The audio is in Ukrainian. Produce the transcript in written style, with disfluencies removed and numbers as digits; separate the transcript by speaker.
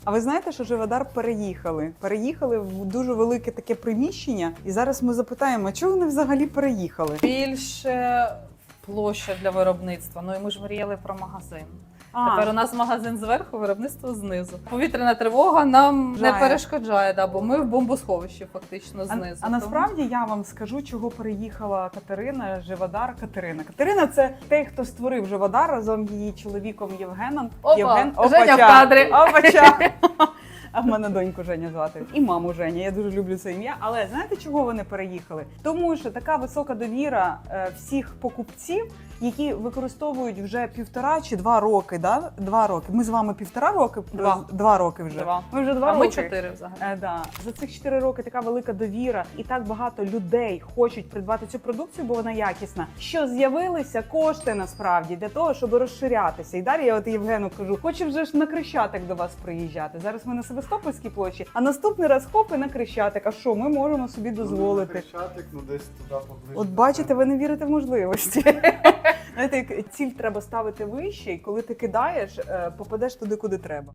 Speaker 1: А ви знаєте, що Живодар переїхали? Переїхали в дуже велике таке приміщення. І зараз ми запитаємо, чого вони взагалі переїхали?
Speaker 2: Більше площа для виробництва. Ну і ми ж мріяли про магазин. Тепер у нас магазин зверху, виробництво знизу. Повітряна тривога нам не перешкоджає, бо ми в бомбосховищі фактично знизу.
Speaker 1: А насправді я вам скажу, чого переїхала Катерина, Живодар Катерина. Катерина – це той, хто створив Живодар разом з її чоловіком Євгеном.
Speaker 2: Женя в кадрі.
Speaker 1: Опача. А в мене доньку Женя звати. І маму Женя. Я дуже люблю це ім'я. Але знаєте, чого вони переїхали? Тому що така висока довіра всіх покупців, які використовують вже 1,5 чи 2 роки, да? 2 роки. Ми з вами 1,5 роки? 2 роки вже.
Speaker 2: 2.
Speaker 1: Ми вже 2
Speaker 2: роки.
Speaker 1: роки.
Speaker 2: Ми 4 взагалі.
Speaker 1: Да. За цих 4 роки така велика довіра і так багато людей хочуть придбати цю продукцію, бо вона якісна. Що з'явилися кошти насправді для того, щоб розширятися. І далі я от Євгену кажу, хочу вже ж на Крещатик до вас приїжджати. Зараз ми на Севастопольській площі, а наступний раз хоп і на Крещатик. А що, ми можемо собі дозволити?
Speaker 3: Крещатик, ну десь туди поближче.
Speaker 1: От бачите, ви не вірите в можливості. Знаєте, ціль треба ставити вище, і коли ти кидаєш, попадеш туди, куди треба.